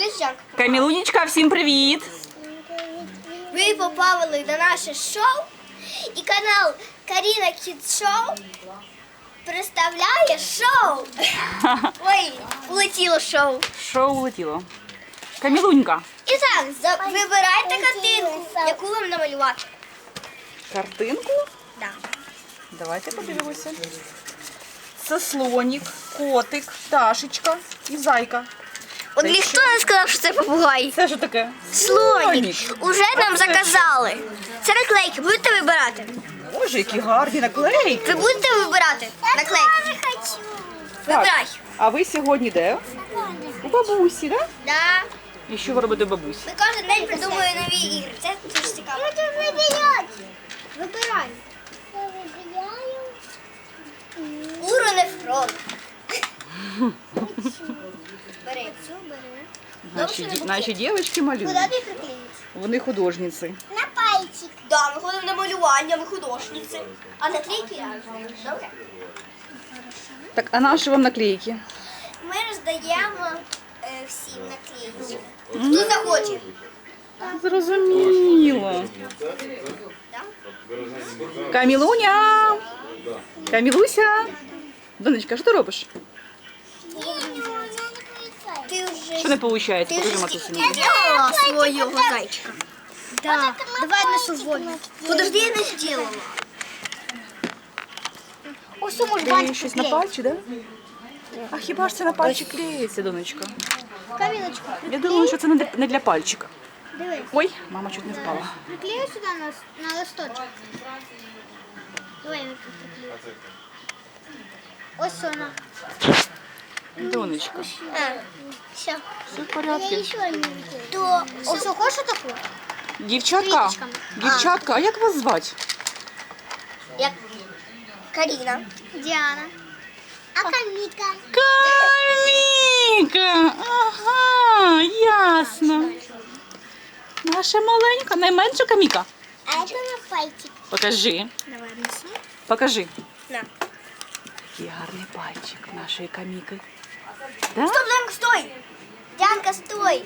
Камілунечка, всім привіт! Ви попали на наше шоу, і канал Каріна Кіт Шоу представляє шоу. Ой, улетіло шоу. Шоу улетіло. Камілунька. І так, вибирайте картинку, яку вам намалювати. Картинку? Да. Давайте подивимося. Це слонік, котик, пташечка і зайка. От ніхто не сказав, що це попугай. Це що таке? Слонік. Уже нам заказали. Це наклейки, будете вибирати? Боже, які гарні наклейки. Ви будете вибирати наклейки? Вибирай. А ви сьогодні де? У бабусі, так? Да? Да. І що ви робите у бабусі? Ми кожен день придумуємо нові ігри. Це дуже цікаво. Вибирай. Уронефрон. Бери. Наші дівчатки малюють. Куди ти приклеїш? Вони художниці. На пальчик. Да, ми ходимо на малювання, ми художниці. А наклейки я. Добре. Так, а наші вам наклейки? Ми роздаємо всім наклейки. Хто захоче. Зрозуміло. Камілуня! Камілуся! Донечка, що ти робиш? Ти вже... Що не виходить? Покажи матусі. сделала свого зайчика. Да. Давай на свободу. Подожди, я не сделала. Ось може Ти щось на пальчик, так? Да? А хіба ж це на пальчик клеїться, донечка? Каміночку. Я думаю, що це не для пальчика. Дивись. Ой, мама чуть не впала. Приклею сюди на листочок. Давай я приклею. Ось вона. Донечка, Все. все в порядку. То ось хочеш таку? Дівчатка, Квіточками. дівчатка, а як вас звати? Як Каріна. Діана. А Каміка. Каміка! Ага, ясно. Наша маленька, найменша Каміка. А це на пальчик. Покажи, Давай несу. покажи. На. Який гарний пальчик нашої Каміки. Да? Стоп, Дянка, стой! Дянка, стой!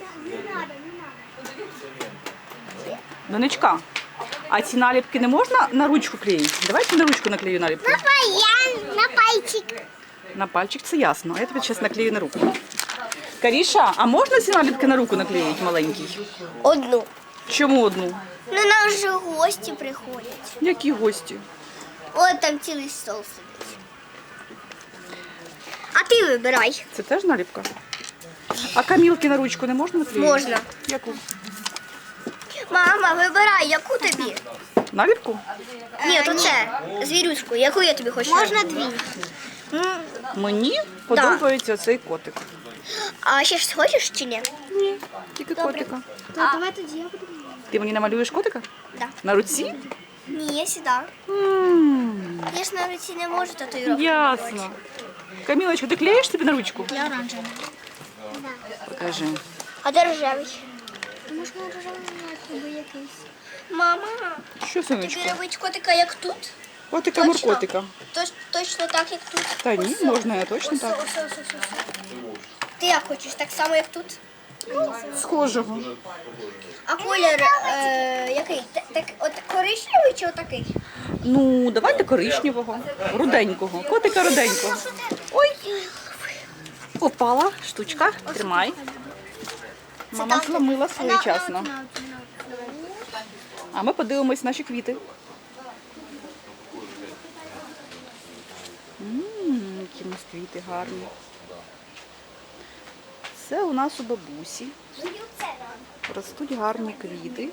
Донечка, а ці наліпки не можна на ручку клеїти? Давайте на ручку наклею наліпку. На пальчик. На пальчик це ясно, а я тобі зараз наклею на руку. Каріша, а можна ці наліпки на руку наклеїти маленький? Одну. Чому одну? Ну, нам вже гості приходять. Які гості? От там цілий стол сидить. А ти вибирай. Це теж наліпка? А камілки на ручку не можна наклеїти? Можна. Яку? Мама, вибирай, яку тобі? Наліпку? Ні, то це, звірюшку, яку я тобі хочу? Можна дві. Мені подобається цей котик. А ще ж хочеш чи ні? Ні, тільки котика. То давай тоді я буду. Ти мені намалюєш котика? Да. На руці? Ні, я сюди. Я ж на руці не можу татуїровку. Ясно. Камілочка, ти клеїш собі на ручку? Я оранжевий. Покажи. А де рожевий? Можна рожевий якийсь. Мама, Що, тобі сонечко? робить котика як тут? Котика, Точно? моркотика. Точно так, як тут? Та ні, можна я точно так. Ось. Ти як хочеш, так само, як тут? Схожого. А колір який? От коричневий чи отакий? Ну, давайте коричневого, руденького. Котика руденького. Ой, попала штучка. Тримай. Мама зломила своєчасно. А ми подивимось наші квіти. Які у нас квіти гарні. Це у нас у бабусі. Ростуть гарні квіти.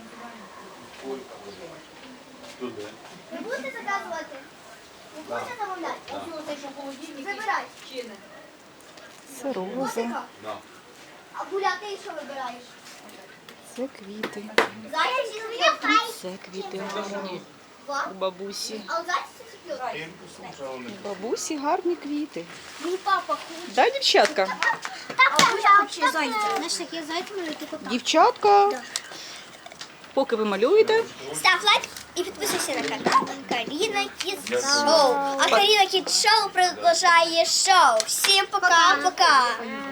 Ви будете заказувати? Ви будете замовляти? Вибирай. Це роза. А Буля, ти що вибираєш? Це квіти. Зайчик чи цвіт? Це квіти гарні у бабусі. А у зайчик чи цвіт? У бабусі гарні квіти. Мій папа хоче. Да, дівчатка? А Буля хоче зайця. Знаєш, такі зайці можуть тільки так. Дівчатка, поки ви малюєте, Став лайк і підписуйся на канал Каріна Кіт Шоу. А Каріна Кіт Шоу продовжує шоу. Всім пока-пока.